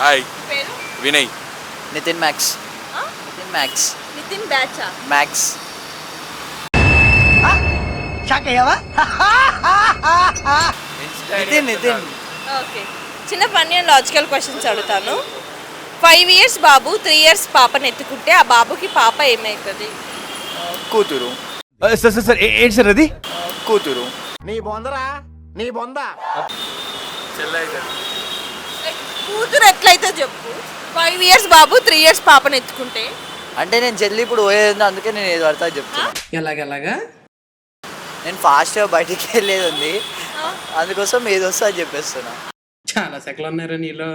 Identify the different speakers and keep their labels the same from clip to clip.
Speaker 1: Hi
Speaker 2: పేరు
Speaker 1: Vinay.
Speaker 3: Nitin Max.
Speaker 2: ఆ?
Speaker 3: Nitin Max.
Speaker 2: Nitin బ్యాచా?
Speaker 3: మ్యాక్స్. నితిన్ నితిన్.
Speaker 2: ఓకే, చిన్న ఫన్నీ అండ్ లాజికల్ క్వశ్చన్స్ అడుగుతాను. 5 years బాబు 3 years పాపని ఎత్తుకుంటే ఆ బాబుకి పాప ఏమవుతుంది?
Speaker 3: కూతురు.
Speaker 4: సార్ ఏంటి సార్ అది?
Speaker 3: కూతురు.
Speaker 5: నీ బొందరా నీ బొంద.
Speaker 2: కూతురు ఎట్లయితే చెప్పు. 5 years బాబు 3 years పాపని ఎత్తుకుంటే
Speaker 3: అంటే నేను చెల్లి ఇప్పుడు పోయేది అందుకే నేను ఏది పడతా చెప్తున్నా.
Speaker 6: ఎలాగెలాగా?
Speaker 3: నేను ఫాస్ట్గా బయటికి వెళ్ళేది ఉంది, అందుకోసం ఏది వస్తే అది చెప్పేస్తున్నా.
Speaker 6: చాలా సెకలు ఉన్నారా నీలో?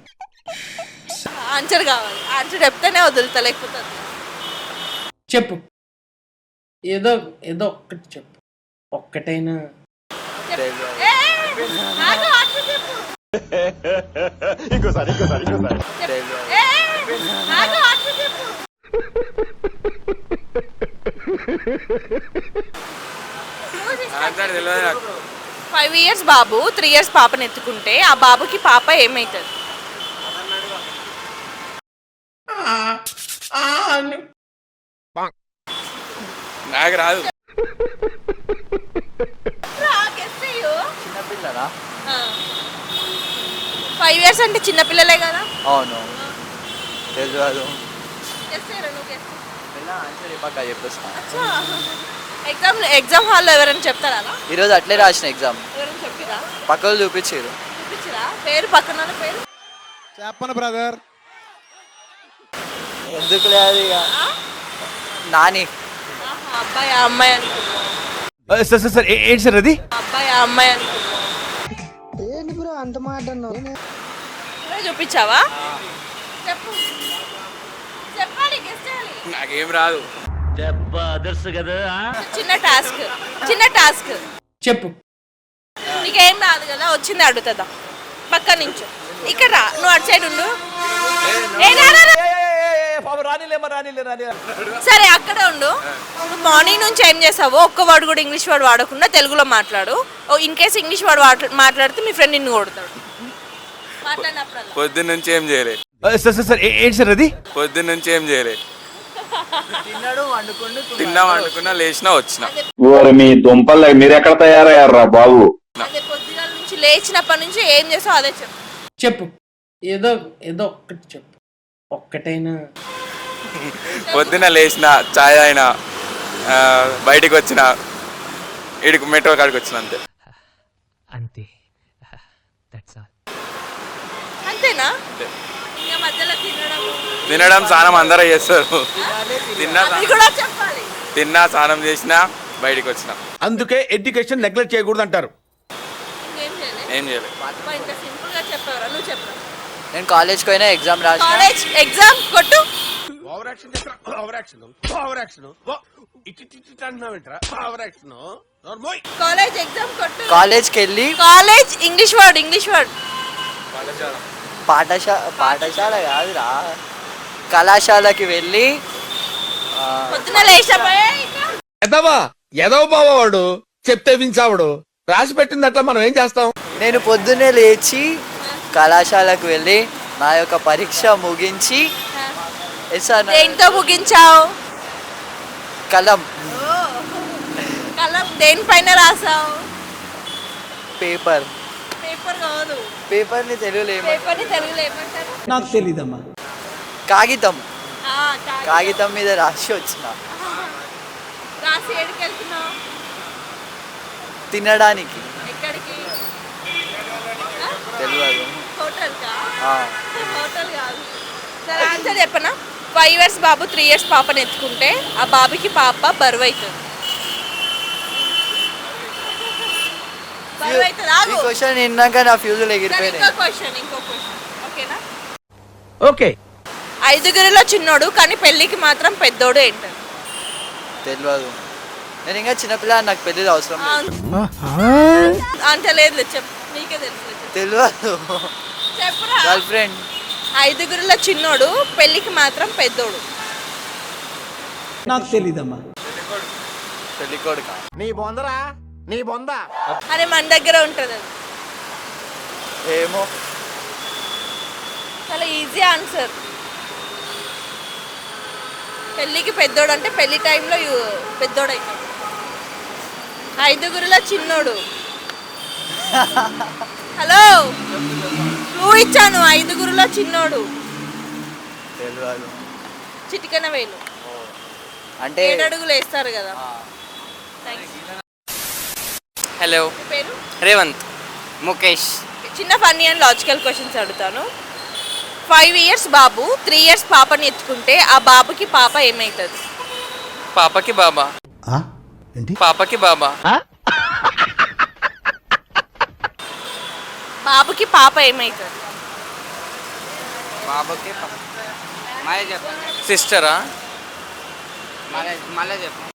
Speaker 2: ఆన్సర్ కావాలి. ఆన్సర్ చెప్తేనే వదులుతా, లేకపోతే వదిలేస్తా.
Speaker 6: చెప్పు, ఏదో ఏదో ఒక్కటి చెప్పు, ఒక్కటైనా.
Speaker 3: తెలియదు.
Speaker 2: ఆగు, ఆన్సర్ చెప్పు.
Speaker 5: ఇంకోసారి
Speaker 3: తెలియదు.
Speaker 2: ఆగు, ఆన్సర్ చెప్పు. 5 years బాబు 3 years పాపని ఎత్తుకుంటే ఆ బాబుకి పాప ఏమవుతుంది?
Speaker 1: నాకు రాదు.
Speaker 3: చిన్నపిల్లనా?
Speaker 2: 5 years అంటే చిన్నపిల్లలే కదా.
Speaker 3: అవును. తెలియదు.
Speaker 2: నువ్వు
Speaker 3: ఆన్సర్ పక్క చెప్పేస్తా.
Speaker 2: ఎగ్జామ్ హాల్లో ఎవరైనా చెప్తారా?
Speaker 3: ఈరోజు అట్లే రాసిన ఎగ్జామ్.
Speaker 2: ఎవరైనా చెప్పిరా?
Speaker 3: పక్కలు చూపించారు.
Speaker 2: చూపించరా? పేరు పక్కన వాళ్ళ పేరు
Speaker 5: చెప్పను బ్రదర్.
Speaker 3: ఎందుకు లేదు ఇక. నాని.
Speaker 2: అబ్బాయి అమ్మాయి అనుకున్నా.
Speaker 4: సార్ ఏంటి సార్ అది?
Speaker 2: అబ్బాయి అమ్మాయి అనుకున్నా. చూపించావా? చెప్పు, చెప్పాలి, గెస్ చేయాలి.
Speaker 1: నాకేం రాదు.
Speaker 2: చిన్న టాస్క్.
Speaker 6: చెప్పు.
Speaker 2: నీకేం రాదు కదా, వచ్చింది అడుగుతుందా? పక్క నుంచి ఇక్కడ రా, నువ్వు అటు సైడ్ ఉండు. సరే అక్కడే ఉండు. నువ్వు మార్నింగ్ నుంచి ఏం చేసావో ఒక్క వర్డ్ కూడా ఇంగ్లీష్ వర్డ్ వాడకుండా తెలుగులో మాట్లాడు. ఇన్ కేస్ ఇంగ్లీష్ వర్డ్ మాట్లాడితే మీ ఫ్రెండ్ నిన్ను కొడతాడు. మాట్లాడినప్పుడు
Speaker 1: పొద్దున్న నుంచి ఏం చేయలే.
Speaker 4: సార్ ఏంటి సార్ అది?
Speaker 1: పొద్దున్న నుంచి ఏం చేయలే.
Speaker 3: తిన్నాడు, వండుకుండు,
Speaker 1: తిన్నాం అనుకున్నా, లేచినా వచ్చిన.
Speaker 7: మీ దుంపలు మీరు ఎక్కడ తయారయ్యారా బాబు?
Speaker 2: అదే పొద్దున నుంచి లేచినప్పటి నుంచి ఏం చేసావు అదే చెప్పు.
Speaker 6: చెప్పు, ఏదో ఏదో ఒక్కటి చెప్పు, ఒక్కటైనా.
Speaker 1: పొద్దున్న లేచిన, చాయ్ అయినా, బయటికి వచ్చిన, ఇడికి మెట్రో కాడికి వచ్చిన, అంతే.
Speaker 8: అంతే.
Speaker 2: అంతేనా?
Speaker 1: అంతే.
Speaker 2: ఇంకా మధ్యలో
Speaker 1: తినడం స్నానం అందరూ చేస్తారు.
Speaker 2: అది కూడా చెప్పాలి.
Speaker 1: తిన్నా, స్నానం చేసినా, బయటికి వచ్చిన.
Speaker 5: అందుకే ఎడ్యుకేషన్ నెగ్లెక్ట్ చేయకూడదు అంటారు.
Speaker 2: ఇంకేం చేయలేదు.
Speaker 1: ఏం చేయలేదు.
Speaker 2: ఇంత సింపుల్ గా చెప్పావరా? నువ్వు చెప్పు.
Speaker 3: నేను కాలేజ్కి పోయినా ఎగ్జామ్ రాసిన.
Speaker 2: కాలేజ్ ఎగ్జామ్ కొట్టు. కాలేజ్ ఎగ్జామ్ కొట్టు.
Speaker 3: కాలేజ్కి వెళ్ళి
Speaker 2: కాలేజ్ ఇంగ్లీష్ వర్డ్
Speaker 3: పాఠశాల కాదురా, కళాశాలకి వెళ్ళి
Speaker 2: పొద్దున లేచిపోయా.
Speaker 5: ఎదవ బావాడు చెప్తే వించావుడు రాసి పెట్టింది అట్లా మనం ఏం చేస్తాం.
Speaker 3: నేను పొద్దున్నే లేచి కళాశాలకు వెళ్ళి నా యొక్క పరీక్ష ముగించి
Speaker 2: దేంతో ముగించావు?
Speaker 3: కలం
Speaker 2: దేనిపైన రాసావు?
Speaker 3: పేపర్
Speaker 2: కాదు.
Speaker 3: పేపర్ని తెలుగులో
Speaker 2: పేపర్ని తెలుగులో ఏమంటారు?
Speaker 6: నాకు తెలీదమ్మా.
Speaker 3: కాగితం.
Speaker 2: ఆ,
Speaker 3: కాగితం మీద రాసి వచ్చిన.
Speaker 2: రాసి ఎక్కడికి వెళ్తున్నావు?
Speaker 3: తినడానికి.
Speaker 2: ఎక్కడికి?
Speaker 3: తెలియదు.
Speaker 2: హోటల్కా?
Speaker 3: ఆ.
Speaker 2: హోటల్ కాదు. సరే ఆన్సర్ చెప్పనా? 5 years బాబు 3 years పాపని ఎత్తుకుంటే ఆ బాబుకి పాప బరువు అవుతుంది.
Speaker 3: ఈ క్వశ్చన్ విన్నాక నా ఫ్యూజులు ఎగిరిపోయినాయి.
Speaker 2: ఇంకో క్వశ్చన్. ఓకేనా?
Speaker 5: ఓకే.
Speaker 2: 5గురిలో చిన్నోడు కానీ పెళ్ళికి మాత్రం పెద్దోడు ఏంటది?
Speaker 3: తెలియదు. నేను ఇంకా చిన్నపిల్ల, నాకు పెళ్ళిది అవసరం లేదు.
Speaker 2: అంత లేదు, చెప్పు. నీకే తెలుసు.
Speaker 3: తెలియదు.
Speaker 2: చెప్పురా.
Speaker 3: Girl friend.
Speaker 2: 5గురిలో చిన్నోడు పెళ్ళికి మాత్రం పెద్దోడు.
Speaker 6: నాకు తెలీదమ్మా.
Speaker 3: పెళ్లి కొడుక.
Speaker 5: నీ బొందరా నీ బొంద.
Speaker 2: అరే మన దగ్గర ఉంటుంది అది.
Speaker 3: ఏమో.
Speaker 2: చాలా ఈజీ ఆన్సర్. పెళ్ళికి పెద్దోడు అంటే పెళ్లి టైంలో పెద్దోడు అవుతాడు. 5గురిలో చిన్నోడు. హలో నువ్వు ఇచ్చాను 5గురిలో చిన్నోడు.
Speaker 3: తెలియదు.
Speaker 2: చిటికెన వేలు
Speaker 3: అంటే
Speaker 2: 7 అడుగులు వేస్తారు కదా. థ్యాంక్స్.
Speaker 8: హలో,
Speaker 2: మీ పేరు?
Speaker 8: రేవంత్.
Speaker 3: ముఖేష్.
Speaker 2: చిన్న ఫన్నీ అండ్ లాజికల్ క్వశ్చన్స్ అడుగుతాను. 5 years బాబు 3 years పాపని ఎత్తుకుంటే ఆ బాబుకి పాప ఏమవుతుంది?
Speaker 8: పాపకి బాబా. పాపకి బాబా.
Speaker 2: బాబుకి పాప ఏమవుతుంది?
Speaker 3: బాబుకి మళ్ళీ చెప్పండి.
Speaker 8: సిస్టరా?
Speaker 3: మళ్ళీ చెప్పండి.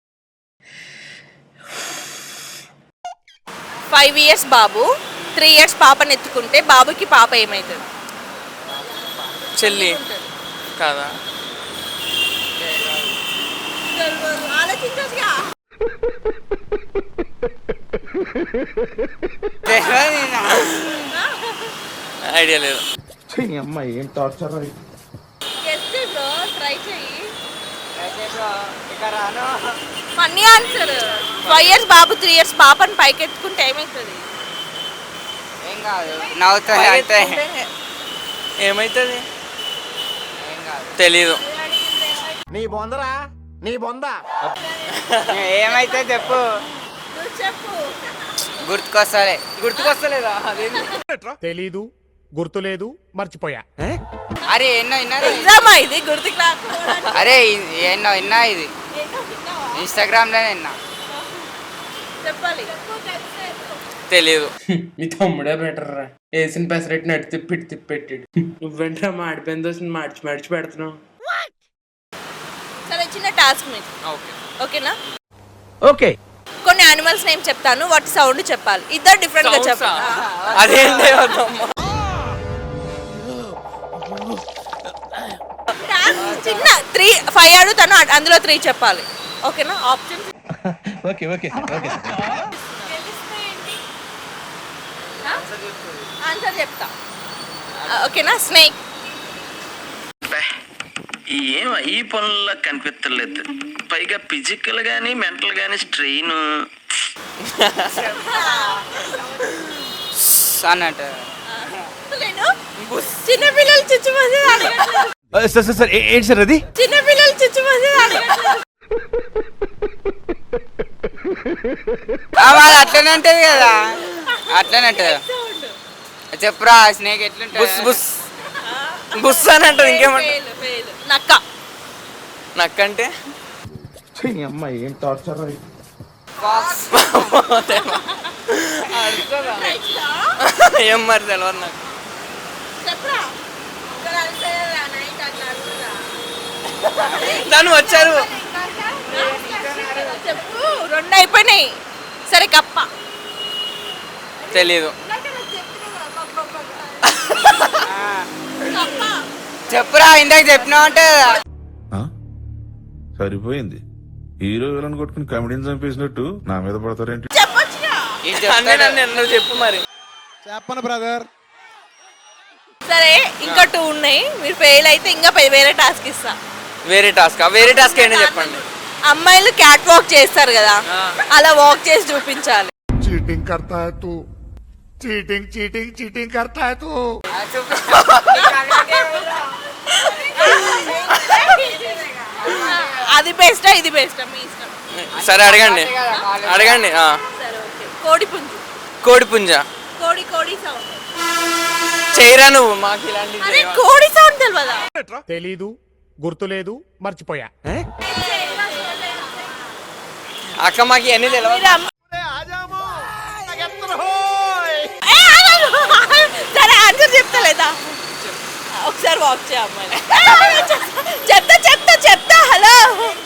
Speaker 2: 5 years బాబు 3 years పాపని ఎత్తుకుంటే బాబుకి పాప ఏమవుతుంది?
Speaker 8: చెల్లి కాదా?
Speaker 2: ఆలోచించొచ్చుగా.
Speaker 8: ఐడియా లేదు.
Speaker 2: Guess it bro, try చెయ్యి. Funny answer. 5 years బాబు 3 years పాపని పైకి ఎత్తుకుంటే ఏమవుతుంది?
Speaker 3: ఏం కాదు, నవ్వుతుంది అంతే.
Speaker 8: ఏమైతుంది? తెలీదు.
Speaker 3: ఏమైతే చెప్పు.
Speaker 2: నువ్వు చెప్పు.
Speaker 3: గుర్తుకొస్తలే.
Speaker 8: గుర్తుకొస్తలేదా? అదేంటి?
Speaker 9: తెలీదు, గుర్తులేదు, మర్చిపోయా.
Speaker 3: అరే ఎన్నో విన్నారా?
Speaker 2: ఎగ్జామా ఇది గుర్తుకు రాకపోవడానికి?
Speaker 3: అరే ఎన్నో విన్నా, ఇది
Speaker 2: ఏంటో విన్నావా?
Speaker 3: ఇన్స్టాగ్రామ్లోనే విన్నా.
Speaker 2: చెప్పాలి.
Speaker 8: తెలీదు.
Speaker 6: మీ తమ్ముడే బెటర్ రా. వేసిన పెసరెట్ నటు తిప్పి పెట్టాడు. నువ్వేంట్రా మాడిపోయిన దోశని మార్చి పెడుతున్నావు.
Speaker 2: సరే చిన్న టాస్క్ మీకు.
Speaker 8: ఓకే.
Speaker 2: ఓకేనా?
Speaker 4: ఓకే.
Speaker 2: కొన్ని యానిమల్స్ నేమ్ చెప్తాను, వాటి సౌండ్ చెప్పాలి. ఇద్దరు డిఫరెంట్ గా చెప్పాలి.
Speaker 8: అదేంటి?
Speaker 2: చిన్న 5 అడుగుతాను, అందులో 3 చెప్పాలి. ఓకేనా? Option
Speaker 4: okay okay okay.
Speaker 2: Answer చెప్తా. ఓకేనా? స్నేక్.
Speaker 10: ఏం ఈ పనుల్లో కనిపించలేదు. పైగా ఫిజికల్ గానీ మెంటల్ గానీ స్ట్రెయిన్
Speaker 3: అన్నట్టు.
Speaker 2: చిన్నపిల్లలు చుచ్చుమది
Speaker 4: సార్ ఏంటి సార్ అది?
Speaker 2: చిన్నపిల్లలు చుచ్చుమది
Speaker 3: అది అట్లనే ఉంటుంది కదా, అట్లనే ఉంటుంది. చెప్పురా స్నేక్ ఎట్లుంటుంది?
Speaker 8: బుస్ బుస్ బుస్ అని అంటారు. ఇంకేమంటారు?
Speaker 2: నక్క.
Speaker 8: నక్కంటే ఏం మరి తెలియదు నాకు. దాన్ని వచ్చారు.
Speaker 2: చెప్పు. 2 అయిపోయినాయి. సరే కప్ప.
Speaker 8: తెలీదు.
Speaker 2: కప్ప.
Speaker 3: చెప్పురా, ఇందాక చెప్పినావు అంటే.
Speaker 11: సరిపోయింది. హీరో విలన్ కొట్టుకుని కమెడీని చంపేసినట్టు నా మీద పడతారేంటి?
Speaker 2: చెప్పొచ్చుగా.
Speaker 8: నువ్వు చెప్పు మరి.
Speaker 9: చెప్పను బ్రదర్.
Speaker 2: సరే ఇంకా 2 ఉన్నాయి. మీరు ఫెయిల్ అయితే ఇంకా వేరే టాస్క్ ఇస్తా.
Speaker 8: వేరే టాస్క్? వేరే టాస్క్ ఏంటో చెప్పండి.
Speaker 2: అమ్మాయిలు క్యాట్ వాక్ చేస్తారు కదా, అలా వాక్ చేసి చూపించాలి.
Speaker 9: చీటింగ్ కర్తా హై తూ, చీటింగ్ చీటింగ్ చీటింగ్ కర్తా హై తూ.
Speaker 2: అది బెస్టా ఇది బెస్టా మీ ఇష్టం.
Speaker 8: సరే అడగండి. అడగండి.
Speaker 2: సరే ఓకే. కోడి పుంజు.
Speaker 8: కోడి పుంజ.
Speaker 2: కోడి కోడి సౌండ్.
Speaker 8: చేయరా నువ్వు మాకు ఇలాంటివి?
Speaker 2: అరే కోడి సౌండ్ తెలియదా?
Speaker 9: తెలీదు, గుర్తులేదు, మర్చిపోయా.
Speaker 8: అక్క మాకు ఇవన్నీ తెలియదు.
Speaker 2: సరే ఆన్సర్ చెప్తా లేదా? ఒకసారి వాక్ చేయ అమ్మాయి. చెప్తా చెప్తా చెప్తా. హలో